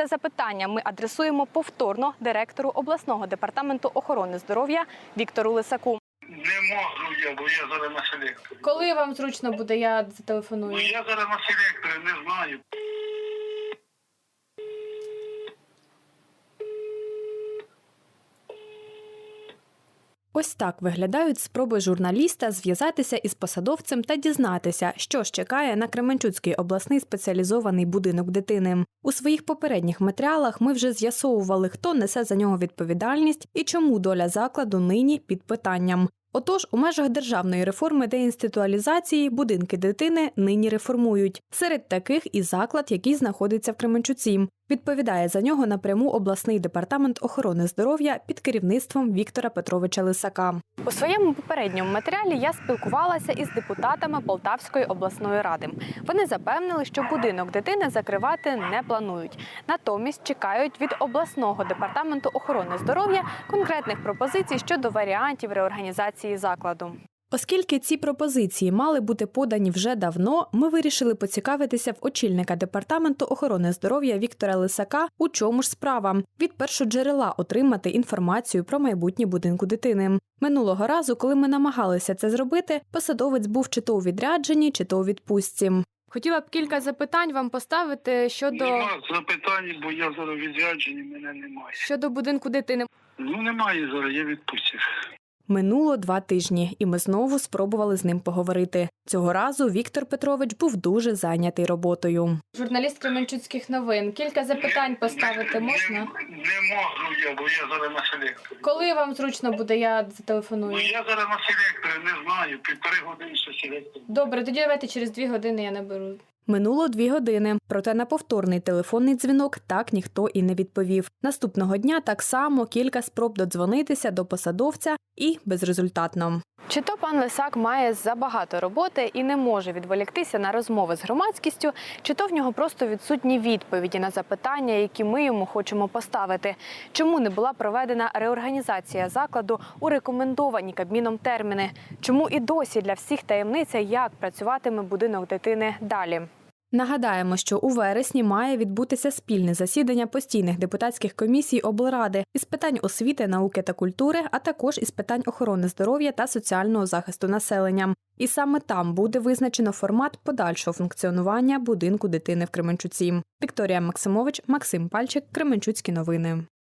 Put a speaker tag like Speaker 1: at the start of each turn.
Speaker 1: Це запитання ми адресуємо повторно директору обласного департаменту охорони здоров'я Віктору Лисаку.
Speaker 2: Не можу я, бо я зараз на селекторі.
Speaker 1: Коли вам зручно буде, я зателефоную.
Speaker 2: Ну я зараз на селекторі, не знаю.
Speaker 3: Ось так виглядають спроби журналіста зв'язатися із посадовцем та дізнатися, що ж чекає на Кременчуцький обласний спеціалізований будинок дитини. У своїх попередніх матеріалах ми вже з'ясовували, хто несе за нього відповідальність і чому доля закладу нині під питанням. Отож, у межах державної реформи деінституалізації будинки дитини нині реформують. Серед таких і заклад, який знаходиться в Кременчуці. Відповідає за нього напряму обласний департамент охорони здоров'я під керівництвом Віктора Петровича Лисака.
Speaker 1: У своєму попередньому матеріалі я спілкувалася із депутатами Полтавської обласної ради. Вони запевнили, що будинок дитини закривати не планують. Натомість чекають від обласного департаменту охорони здоров'я конкретних пропозицій щодо варіантів реорганізації закладу.
Speaker 3: Оскільки ці пропозиції мали бути подані вже давно, ми вирішили поцікавитися в очільника департаменту охорони здоров'я Віктора Лисака, у чому ж справа. Від першоджерела отримати інформацію про майбутнє будинку дитини. Минулого разу, коли ми намагалися це зробити, посадовець був чи то у відрядженні, чи то у відпустці. Хотіла б кілька запитань вам поставити
Speaker 2: Нема запитань, бо я зараз відряджені, мене немає.
Speaker 3: щодо будинку дитини.
Speaker 2: Ну немає зараз, я відпустив.
Speaker 3: Минуло 2 тижні, і ми знову спробували з ним поговорити. Цього разу Віктор Петрович був дуже зайнятий роботою.
Speaker 1: Журналіст Кременчуцьких новин. Кілька запитань поставити можна?
Speaker 2: Не можу я, бо я зараз на селекторі.
Speaker 1: Коли вам зручно буде, я зателефоную.
Speaker 2: Ну я зараз на селекторі, не знаю, 1,5 години ще селектор.
Speaker 1: Добре, тоді давайте через 2 години я наберу.
Speaker 3: Минуло 2 години, проте на повторний телефонний дзвінок так ніхто і не відповів. Наступного дня так само кілька спроб додзвонитися до посадовця і безрезультатно.
Speaker 1: Чи то пан Лисак має забагато роботи і не може відволіктися на розмови з громадськістю, чи то в нього просто відсутні відповіді на запитання, які ми йому хочемо поставити. Чому не була проведена реорганізація закладу у рекомендовані Кабміном терміни? Чому і досі для всіх таємниця, як працюватиме будинок дитини далі?
Speaker 3: Нагадаємо, що у вересні має відбутися спільне засідання постійних депутатських комісій облради із питань освіти, науки та культури, а також із питань охорони здоров'я та соціального захисту населення. І саме там буде визначено формат подальшого функціонування будинку дитини в Кременчуці. Вікторія Максимович, Максим Пальчик, Кременчуцькі новини.